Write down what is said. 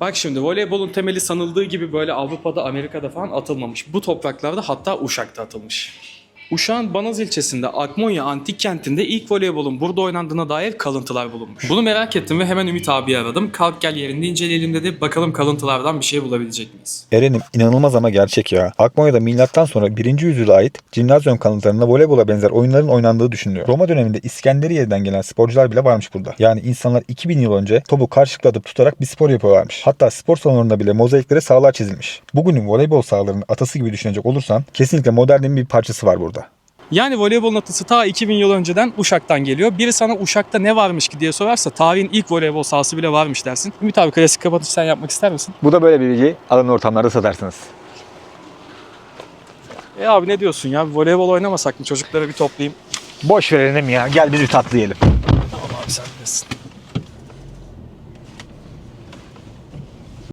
Bak şimdi voleybolun temeli sanıldığı gibi böyle Avrupa'da, Amerika'da falan atılmamış. Bu topraklarda hatta Uşak'ta atılmış. Uşak'ın Banaz ilçesinde Akmonya Antik Kenti'nde ilk voleybolun burada oynandığına dair kalıntılar bulunmuş. Bunu merak ettim ve hemen Ümit abiyi aradım. Kalk gel yerinde inceleyelim dedi. Bakalım kalıntılardan bir şey bulabilecek miyiz? Eren'im inanılmaz ama gerçek ya. Akmonya'da milattan sonra 1. yüzyıla ait Cimnazyum kalıntılarında voleybola benzer oyunların oynandığı düşünülüyor. Roma döneminde İskenderiye'den gelen sporcular bile varmış burada. Yani insanlar 2000 yıl önce topu karşılıklı atıp tutarak bir spor yapıyorlarmış. Hatta spor salonlarında bile mozaiklere sahalar çizilmiş. Bugünün voleybol sahalarının atası gibi düşünecek olursan kesinlikle modernin bir parçası var burada. Yani voleybolun atısı ta 2000 yıl önceden Uşak'tan geliyor. Biri sana Uşak'ta ne varmış ki diye sorarsa tarihin ilk voleybol sahası bile varmış dersin. Ümit abi klasik kapatış sen yapmak ister misin? Bu da böyle bir bilgi. Alan ortamlarda satarsınız. Abi ne diyorsun ya? Bir voleybol oynamasak mı? Çocukları bir toplayayım. Boş verelim ya. Gel biz bir tatlı yiyelim. Tamam abi sen bilirsin.